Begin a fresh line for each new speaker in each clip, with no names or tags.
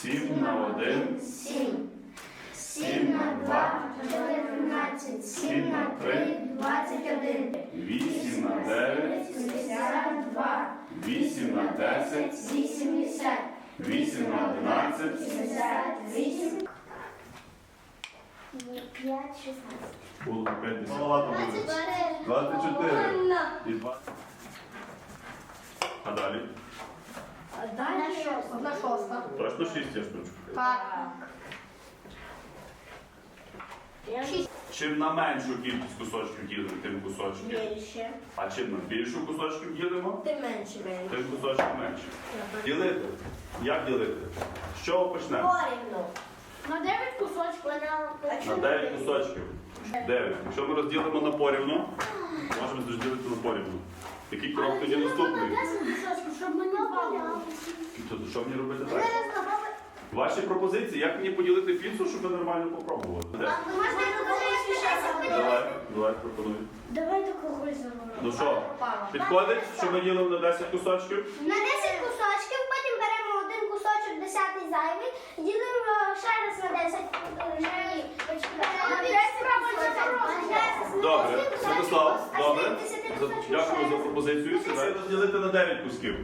7 на 1.
7. 7 на 2, 14, 7 на 3, 21.
8 на 9.
72.
8 на 10.
80.
8 на 11.
78. 5, 16.
Було 50. Ладно, буде. 24. І 20. А далі?
Далі
Одна шоста.
Точно 6 є штучок.
Так.
Чим на меншу кількість кусочків ділимо, тим кусочків.
Більше.
А чим на більшу кусочків ділимо,
Ти менше.
тим кусочків менше. Ділити. Як ділити? З чого почнемо?
Порівну. На 9 кусочків.
На 9 кусочків. 9. Якщо ми розділимо на порівну, можемо розділити на порівну. Який крок тоді наступний?
10 кусочків, щоб ми не бавили.
Тобто, що мені робити далі? Ваші пропозиції, як мені поділити піцу, щоб ви нормально попробували? Давай, пропонуй.
Давай таку гульзу.
Ну що, підходить, що ми ділимо на 10 кусочків?
На 10 кусочків, потім беремо один кусочок, 10-й зайвий, ділимо ще раз на 10.
Добре, Святослав, добре. Дякую за пропозицію. Сідай розділити на 9 кусків.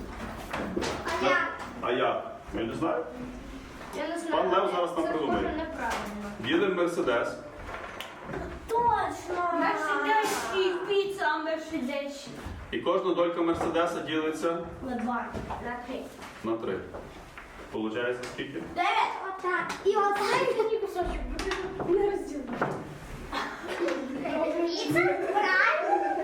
А як? Я не знаю. Пан Лев зараз нам придумає. Ділимо Мерседес.
Точно!
Мерседес і піца, мерседес.
І кожна долька Мерседеса ділиться
На 2.
На 3.
на 3. Получається скільки?
9. Отак. І отак.
Мені кусочок. Не розділимо.
Піца? Правильно?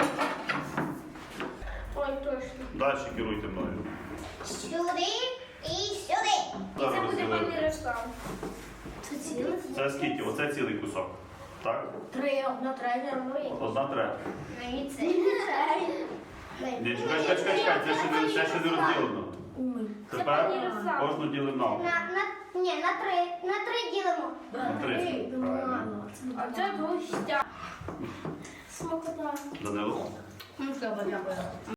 Ой, точно.
Далі керуйте мною.
Сюди і сюди.
Зараз
Це буде
розділимо.
поміряшка.
Це ціле?
Це скільки? Оце цілий кусок. Так?
3, одна третя.
1 третя.
Ні, це.
Ні, чекай, це ще не розділено. Тепер кожну ділимо на
Ні, на 3. На 3 ділимо.
на 3. Правильно.
А це густя. Смакота.
Данило?
Ну, треба, дякую.